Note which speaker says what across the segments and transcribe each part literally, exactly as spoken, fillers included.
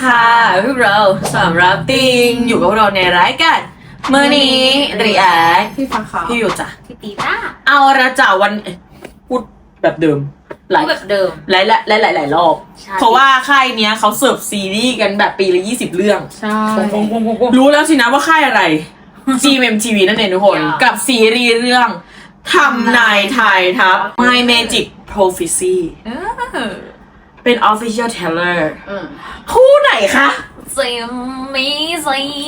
Speaker 1: ค่ะพวกเราสามรับติงอยู่กับเราในรายการเมื่อนี้รีแอค
Speaker 2: พี่ฟ้าขาว
Speaker 1: พี่อยู่จ้ะ
Speaker 3: พี่ตีต้า
Speaker 1: เอาละจ้ะวันเอ้ยพูดแบบเดิมหลาย
Speaker 3: แบบเดิม
Speaker 1: หลายหลายหลายหลายรอบ
Speaker 3: ใช่
Speaker 1: เพราะว่าค่ายเนี้ยเขาเสิร์ฟซีรีส์กันแบบปีละยี่สิบเรื่อง
Speaker 2: ใช่
Speaker 1: รู้แล้วสินะว่าค่ายอะไร จี เอ็ม เอ็ม ที วี นั่นเองทุกคน กับซีรีส์เรื่องทำนายทายทัพ My Magic Prophecy
Speaker 3: เออ
Speaker 1: เป็น Official Trailer
Speaker 3: อืม
Speaker 1: คู่ไหนคะ
Speaker 3: เซมมีซี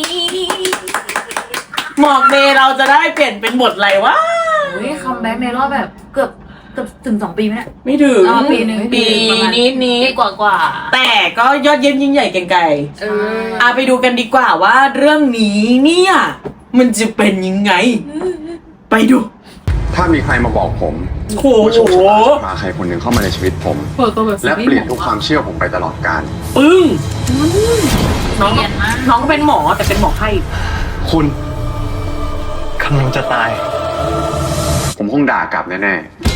Speaker 1: หมอกเมย์เราจะได้เปลี่ยนเป็นบทอะไรวะ
Speaker 3: เฮ้ยคัมแบ็กในรอบแบบเกือบเกือบถึงสองปีไหมเนี่ย
Speaker 1: ไม่ถึง
Speaker 3: อ๋อปีหนึ่ง
Speaker 1: ปี
Speaker 3: ประมาณ
Speaker 1: นี้นี้
Speaker 3: ปีกว่ากว่า
Speaker 1: แต่ก็ยอดเยี่ยมยิ่งใหญ่เก่งไกล
Speaker 3: เออ
Speaker 1: อาไปดูกันดีกว่าว่าเรื่องนี้เนี่ย มันจะเป็นยังไง ไปดู
Speaker 4: ถ้ามีใครมาบอกผม
Speaker 1: โอ้โห
Speaker 4: ว่าโชคชะตาจะมาใครคนหนึ่งเข้ามาในชีวิตผม
Speaker 2: เปิดตัวแบบซี
Speaker 4: และ
Speaker 2: รี
Speaker 4: เปลี่ยน
Speaker 2: ส์
Speaker 4: ทุกความเชื่อผมไปตลอดกาล
Speaker 1: ปึ้งน้อง
Speaker 3: เปลี่ยนมาก
Speaker 1: น้องก็เป็นหมอแต่เป็นหมอไข้
Speaker 4: คุณ
Speaker 5: กำลังจะตาย
Speaker 4: ผมคงด่ากลับแน่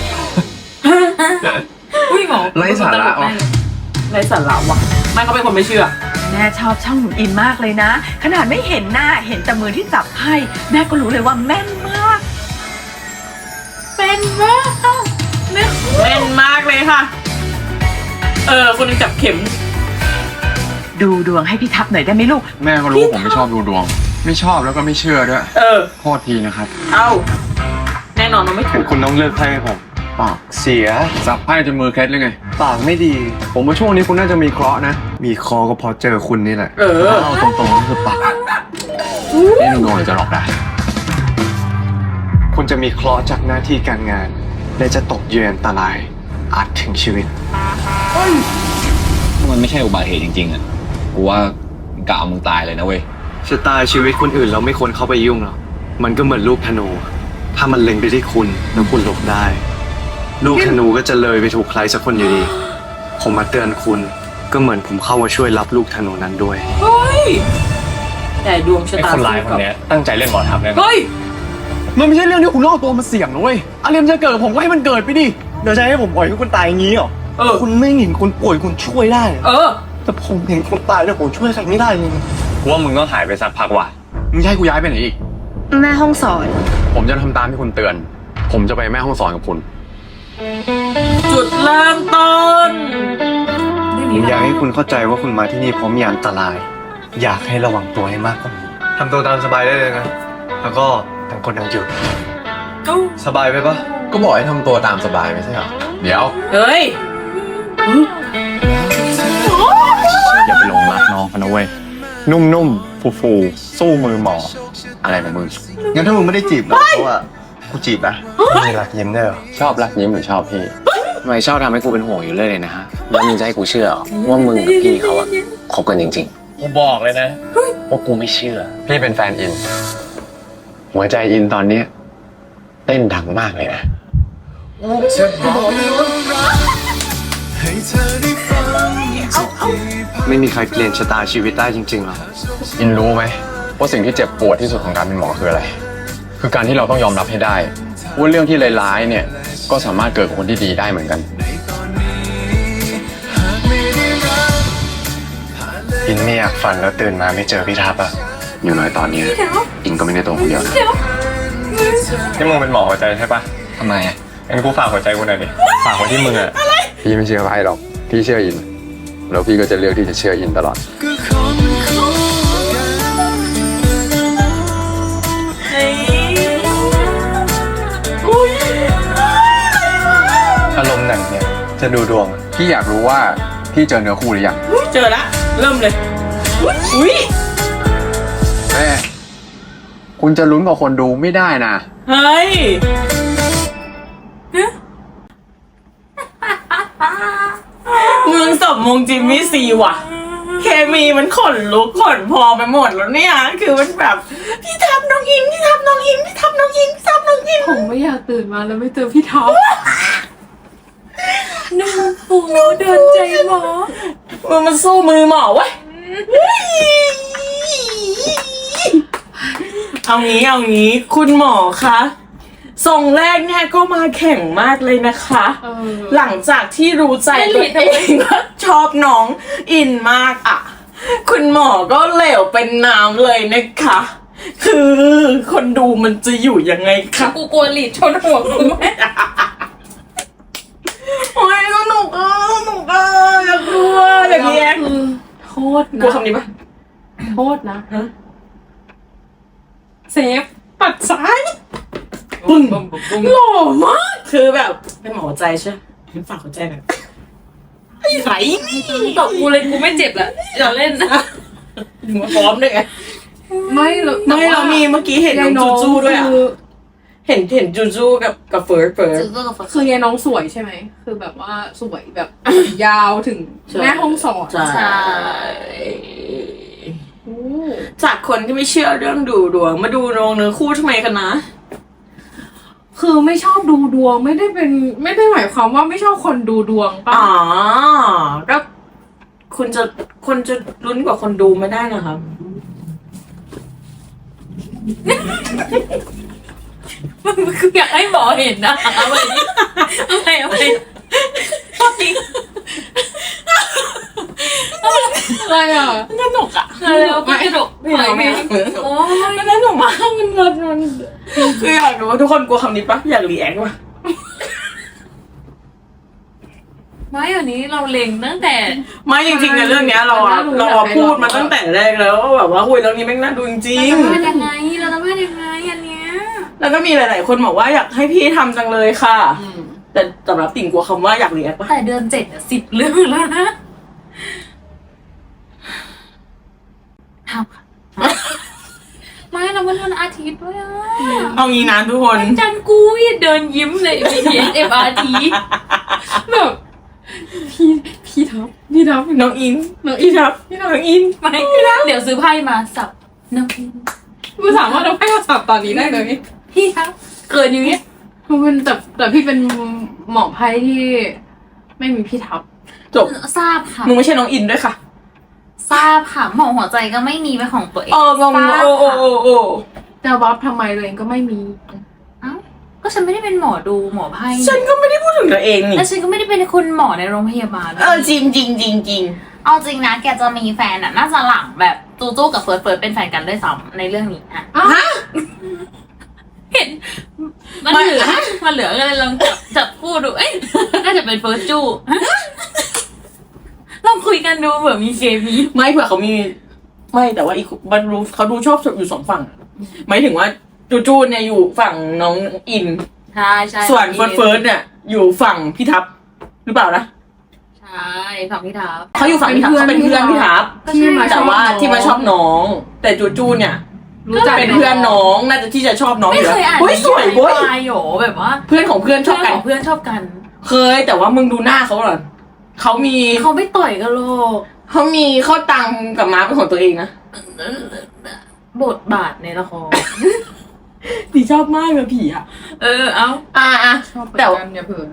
Speaker 3: อุ้ยหมอ
Speaker 5: ไร้สาระว่ะ
Speaker 1: ไรสาระวะไม่เขาเป็นคนไม่เชื่อ
Speaker 6: แม่ชอบช่องหนูอินมากเลยนะ ขนาดไม่เห็นหน้าเห็นแต่มือที่จับไพ่แม่ก็รู้เลยว่าแม่นมาก
Speaker 3: เป็นมากแม่
Speaker 1: เล่นมากเลยค่ะ เออ คนหนึงจับเข็ม
Speaker 6: ดูดวงให้พี่ทับหน่อยได้ไหมลูก
Speaker 4: ๆ แม่ก็รู้ผมไม่ชอบดูดวง ไม่ชอบแล้วก็ไม่เชื่อด้วย
Speaker 1: เออ
Speaker 4: โทษทีนะครับ
Speaker 1: เอาแน่นอนมันไม่ถูก
Speaker 5: คุณต้องเลือกไพ่ให้ผม
Speaker 4: ปาก
Speaker 5: เสีย
Speaker 4: สับไพ่จนมือเคล็ดเลยไง
Speaker 5: ปากไม่ดี
Speaker 4: ผมว่าช่วงนี้คุณน่าจะมีเคราะห์นะ
Speaker 5: มีคอก็เพราะเจอคุณนี่แหละ
Speaker 1: เออ
Speaker 5: เอาตรงๆก็คือปาก
Speaker 4: นี่ลุงโดนจะหลอกได้
Speaker 5: คุณจะมีเคราะห์จากหน้าที่การงาน และจะตกเยือนอันตราย อาจถึงชีวิต
Speaker 7: ถ้ามันไม่ใช่อุบัติเหตุจริงๆอ่ะ กูว่ากะเอามึงตายเลยนะเว้ย
Speaker 5: ชะตาชีวิตคนอื่นเราไม่ควรเข้าไปยุ่งหรอก มันก็เหมือนลูกธนู ถ้ามันเล็งไปที่คุณแล้วคุณหลบได้ ลูกธนูก็จะเลยไปถูกใครสักคนอยู่ดี ผมมาเตือนคุณ ก็เหมือนผมเข้ามาช่วยรับลูกธนูนั้นด้วย
Speaker 1: เฮ้ยแต่ดวงชะ
Speaker 7: ไอ้
Speaker 1: ตา
Speaker 7: คนร้ายคนเนี้ยตั้งใจเล่นหมอทำแน่นอน
Speaker 1: เฮ้ย
Speaker 5: มันไม่ใช่เรื่องที่คุณต้องเอาตัวมาเสี่ยงนะเว้ยอะไรมันจะเกิดกับผมก็ให้มันเกิดไปดิ เดี๋ยวจะให้ผมปล่อยให้คุณตายอย่างนี้เหรอ
Speaker 1: เออ
Speaker 5: คุณไม่เห็นคนป่วยคุณช่วยได้
Speaker 1: เออ
Speaker 5: แต่ผมเห็นคนตายแล้วผมช่วยใครไม่ได้เลย
Speaker 7: กูว่ามึงต้องหายไปสักพักว่ะ
Speaker 4: มึงจะให้กูย้ายไปไหนอีก
Speaker 2: แม่ห้องสอน
Speaker 4: ผมจะทำตามที่คุณเตือน ผมจะไปแม่ห้องสอนกับคุณ
Speaker 1: จุดเริ่มต้น
Speaker 5: ผมอยากให้คุณเข้าใจว่าคุณมาที่นี่เพราะมีอันตราย อยากให้ระวังตัวให้มากกว่านี้ทำตัวตามสบายได้เลยนะ แล้วก็ต่างคนต่างอยู่สบายไปปะ
Speaker 4: ก็บอกให้ทำตัวตามสบายไม่ใช่เหรอ เดี๋ยว
Speaker 1: เฮ้ย
Speaker 7: อย่าไปหลงรักน้องเขานะเว้ย นุ่มๆ ฟูๆ สู้มือหมอ อะไรของมึง
Speaker 5: งั้นถ้ามึงไม่ได้จีบเราเพราะว่ากูจีบนะมีหลักยิ้มได้เหรอ
Speaker 7: ชอบรักยิ้มหรือชอบพี่ทำไมชอบทำให้กูเป็นห่วงอยู่เรื่อยเลยนะฮะ แล้วมึงจะให้กูเชื่อเหรอว่ามึงกับพี่เขาอะคบกันจริงๆ กูบอกเลยนะว่ากูไม่เชื่อ
Speaker 4: พี่เป็นแฟนอิน หัวใจอินตอนเนี้ยเต้นดังมากเลยนะ
Speaker 5: ไม่มีใครเปลี่ยนชะตาชีวิตได้จริงๆหรอก
Speaker 4: อินรู้ไหมว่าสิ่งที่เจ็บปวดที่สุดของการเป็นหมอคืออะไร คือการที่เราต้องยอมรับให้ได้ว่าเรื่องที่ร้ายๆเนี่ยก็สามารถเกิดกับคนที่ดีได้เหมือนกัน
Speaker 5: อินไม่อยากฝันแล้วตื่นมาไม่เจอพี่ทับอะ
Speaker 4: อยู่น้อยตอนนี้อินก็ไม่ได้ตัวคนเดียวนะ
Speaker 5: นี่มึงเป็นหมอหัวใจใช่ปะ
Speaker 7: ทำไมอะ
Speaker 5: งั้นกูฝากหัวใจกูหน่อยดิ ฝากไว้ที่มึงอะ
Speaker 4: พี่ไม่เชื่อใครหรอก พี่เชื่ออิน แล้วพี่ก็จะเลือกที่จะเชื่ออินตลอด
Speaker 5: อารมณ์หนังเนี่ยจะดูดวงอะ
Speaker 4: พี่อยากรู้ว่าพี่เจอเนื้อคู่หรือยัง
Speaker 1: เจอละ เริ่มเลย อุ้ย
Speaker 4: แม่คุณจะลุ้นกับคนดูไม่ได้นะ
Speaker 1: เฮ้ย มึงสมมงจิมมี่ซีว่ะ เคมีมันขนลุกขนพองไปหมดแล้วเนี่ย คือมันแบบ พี่ทับน้องอิน พี่ทับน้องอิน พี่ทับน้องอิน พี่ทับน้องอิน
Speaker 2: ผมไม่อยากตื่นมาแล้วไม่เจอพี่ท็อปหนึ่งปูเดินใจหมอ
Speaker 1: มันมันสู้มือหมอเว้ย เอางี้เอางี้คุณหมอคะทรงแรกเนี่ยก็มาแข่งมากเลยนะคะ
Speaker 2: เออ
Speaker 1: หลังจากที่รู้ใจตัวเองว่าชอบน้องอินมากอ่ะคุณหมอก็เหลวเป็นน้ำเลยนะคะ คือคนดูมันจะอยู่ยังไงคะ
Speaker 2: กูกลัวหลีดชนหัวกูไหม
Speaker 1: โอ้ยสนุกอ่ะสนุกอ่ะอยากดูอ่ะอยากเรียน
Speaker 2: คือโทษ
Speaker 1: กลัว
Speaker 2: นะ
Speaker 1: คำนี้ปะ
Speaker 2: โทษนะ
Speaker 1: ฮะ
Speaker 2: เซฟปัดซ้าย
Speaker 1: ปึ้งหล่อมากคือแบบเป็นหมอหัวใจใช่ไหมเป็นฝากหัวใจแบบไอ้ไหนนี่
Speaker 2: ตบกูเลยกูไม่เจ็บละอย่าเล่นนะ
Speaker 1: ถึงมาพร้อมด้วยไง
Speaker 2: ไม่หรอก
Speaker 1: ไม่เรามีเมื่อกี้เห็นน้องจูจูด้วยอ่ะ
Speaker 2: คือ
Speaker 1: เห็นเห็นจูจูกับกับเฟิร์สเฟิร์ส
Speaker 3: ซื้อกับ
Speaker 2: คือยายน้องสวยใช่ไหม คือแบบว่าสวยแบบ ยาวถึง
Speaker 1: ใช่
Speaker 2: แม่ห้องสอน
Speaker 1: ใช่
Speaker 2: โอ้
Speaker 1: จากคนที่ไม่เชื่อเรื่องดูดวงมาดูดวงเนื้อคู่ทำไมกันนะ
Speaker 2: คือไม่ชอบดูดวงไม่ได้เป็นไม่ได้หมายความว่าไม่ชอบคนดูดวงป่ะ
Speaker 1: อ๋อก็คุณจะคนจะลุ้นกว่าคนดูไม่ได้นะครับ
Speaker 3: คืออยากให้หมอเห็นนะอะไรนี่อะไรอะไรจริง
Speaker 2: อะไรอ่ะ
Speaker 1: สนุกอ่ะ
Speaker 3: อะไรแล้วก็กระดก
Speaker 1: ไม่เอาไม่เอา
Speaker 3: โอ้ย
Speaker 1: มันสนุกมากมันมันมันคืออยากรู้ว่าทุกคนกลัวคำนี้ปะอยากรีแอคปะ
Speaker 3: ไม่อันนี้เราเล็งตั้งแต่
Speaker 1: ไม่จริงๆในเรื่องเนี้ยเราอะเราอะพูดมาตั้งแต่แรกแล้วว่าแบบว่าคุยเรื่องนี้แม่งน่าดูจริง
Speaker 3: เราจะพลาดยังไงเราจะพลาดยังไงอันเนี้ย
Speaker 1: ๆแล้วก็มีหลาย ๆ คนบอกว่าอยากให้พี่ทำจังเลยค่ะ แต่สำหรับติ่งกลัวคำว่าอยากรีแอคปะ
Speaker 3: แต่เดือนเจ็ดอะสิบเรื่องแล้วนะทำค่ะไม่เราเป็นวันอาทิตย์ด้วยอะ
Speaker 1: เอางี้นะทุกคน
Speaker 3: จันกูยเดินยิ้มเลย B T S M R T
Speaker 2: แบบพี่พี่ทับพี่ทับ
Speaker 1: น้องอินน้องอินครับพี่น้องอิน
Speaker 3: ไม่เดี๋ยวซื้อไพ่มาสับน้อง
Speaker 2: กูสามารถเอาให้มาสับตอนนี้ได้เลย
Speaker 3: พี่ครับเกินอย่างเงี้ย
Speaker 2: คือเป็นแต่แต่พี่เป็นหมอไพ่ที่ไม่มีพี่ทับ
Speaker 1: จบ
Speaker 3: ทราบค่ะ
Speaker 1: มึงไม่ใช่น้องอินด้วยค่ะ
Speaker 3: ทราบค่ะหมอหัวใจก็ไม่มีเป็นของตัวเอง
Speaker 1: เอองง
Speaker 3: ทราบ
Speaker 1: โอ้โอ้โอ้โอ้
Speaker 2: จะวับทำไมตัวเองก็ไม่มี
Speaker 3: เอ้าก็ฉันไม่ได้เป็นหมอดูหมอไพ่
Speaker 1: ฉันก็ไม่ได้พูดถึงตัวเองนี่
Speaker 3: แล้วฉันก็ไม่ได้เป็นคุณหมอในโรงพยาบาล
Speaker 1: เออจริงจริงจริงจริง
Speaker 3: เอาจริงนะแกจะมีแฟนอ่ะน่าจะหลังแบบจูจูกับเฟิร์สเฟิร์สเป็นแฟนกันด้วยซ้ำในเรื่องนี้ฮะ
Speaker 1: ฮะ
Speaker 3: เห็นมันเหลือมันเหลือก็เลยลองจับจับคู่ดูเอ้ยน่าจะเป็นเฟิร์สจูลองคุยกันดูเผื่อมีเคมี
Speaker 1: ไม่เผื่อเขามีไม่แต่ว่าอีกมันรู้เขาดูชอบอยู่สองฝั่งหมายถึงว่าจูจูเนี่ยอยู่ฝั่งน้องอิน
Speaker 3: ใช่ใช่
Speaker 1: ส่วนเฟิร์สเฟิร์สเนี่ยอยู่ฝั่งพี่ทับหรือเปล่านะ
Speaker 3: ใช่ฝั่งพี่ทับ
Speaker 1: เขาอยู่ฝั่งพี่ทับเขาเป็นเพื่อนพี่ทับ
Speaker 2: ที่มาช
Speaker 1: แต่
Speaker 2: อบ
Speaker 1: ว่าที่มาชอบน้อง แต่จูจูเนี่ย
Speaker 2: รู้จัก
Speaker 1: เป็นเพื่อนน้องน่าจะที่จะชอบน้องอ
Speaker 3: ไม่
Speaker 1: ยู่
Speaker 3: เค
Speaker 1: แล้ว
Speaker 3: ยอ่าน
Speaker 1: เฮ้ยสวยเว้ย
Speaker 3: ตายโหแบบว่า
Speaker 1: เพื่อนของเพื่อนช
Speaker 3: เพื่
Speaker 1: อ
Speaker 3: อบ น
Speaker 1: กัน
Speaker 3: ของเพื่อนชอบกัน
Speaker 1: เคยแต่ว่ามึงดูหน้าเขาเหรอเขามี
Speaker 3: เขาไม่ต่อยกันหรอก
Speaker 1: เขามีข้าวตังกับม้าเป็นของตัวเองนะ
Speaker 3: บทบาทในละคร
Speaker 1: ดีชอบมากเลยผีอ่ะ
Speaker 3: เออเอา
Speaker 1: อ่าอ่ะ
Speaker 2: ชอบเหมือน
Speaker 1: แต่
Speaker 2: กันอย่าเผื่อ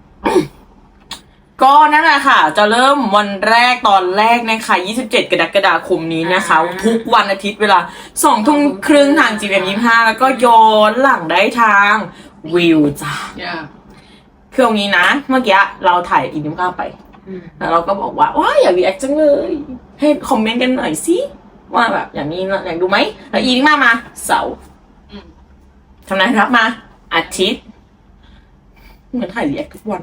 Speaker 1: ก็นั่นแหละค่ะ จะเริ่มวันแรกตอนแรกนะคะยี่สิบเจ็ดกรกฎาคมนี้นะคะ ทุกวันอาทิตย์เวลาสองทุ่มครึ่งทาง จี เอ็ม ยี่สิบห้าแล้วก็ย้อนหลังได้ทางวิวจ้ะ
Speaker 2: อย่า
Speaker 1: คือตรงนี้นะ เมื่อกี้เราถ่ายอินดิมข้าวไป แล้วเราก็บอกว่าว้ายอยากรีแอคจังเลย ให้คอมเมนต์กันหน่อยสิว่าแบบอย่างนี้อยากดูไหมแล้วอินดิมามาเสาร์ทำนายรับมา อาทิตย์ เหมือนถ่ายรีแอคทุกวัน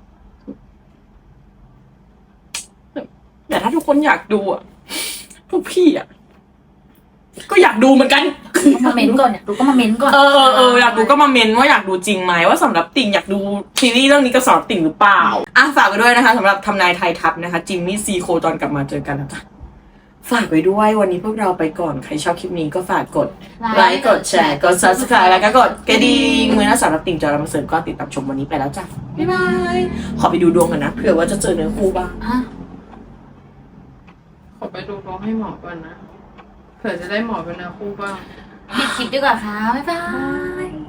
Speaker 1: แต่ถ้าทุกคนอยากดูอ่ะพวกพี่อ่ะก็อยากดูเหมือนกัน
Speaker 3: มาเม้นก่อนอยากดูก็มาเม้นก่อน
Speaker 1: เออเออเอออยากดูก็มาเมนว่าอยากดูจริงไหมว่าสำหรับติ่งอยากดูซีรีส์เรื่องนี้กับสำหรับติ่งหรือเปล่าอ่ะฝากไว้ด้วยนะคะสำหรับทำนายไทยทัพนะคะจิมมี่ซีโคตอนกลับมาเจอกันนะจ๊ะฝากไว้ด้วยวันนี้พวกเราไปก่อนใครชอบคลิปนี้ก็ฝากกดไลค์กดแชร์กด ซับสไครบ์ แล้วก็กดกระดิ่งมือนะสำหรับติ่งจอรามาเสริมก็ติดตามชมวันนี้ไปแล้วจ้ะบ๊ายบายขอไปดูดวงกันนะเผื่อว่าจะเจอเนื้อคู่บ้าง
Speaker 3: ฮะ
Speaker 2: ขอไปดูดวงให้หมอก่อนนะ เผื่อจะได้หมอเป็นเนื้อคู่บ้าง
Speaker 3: ปิดคลิปดีกว่าค่ะบ๊ายบาย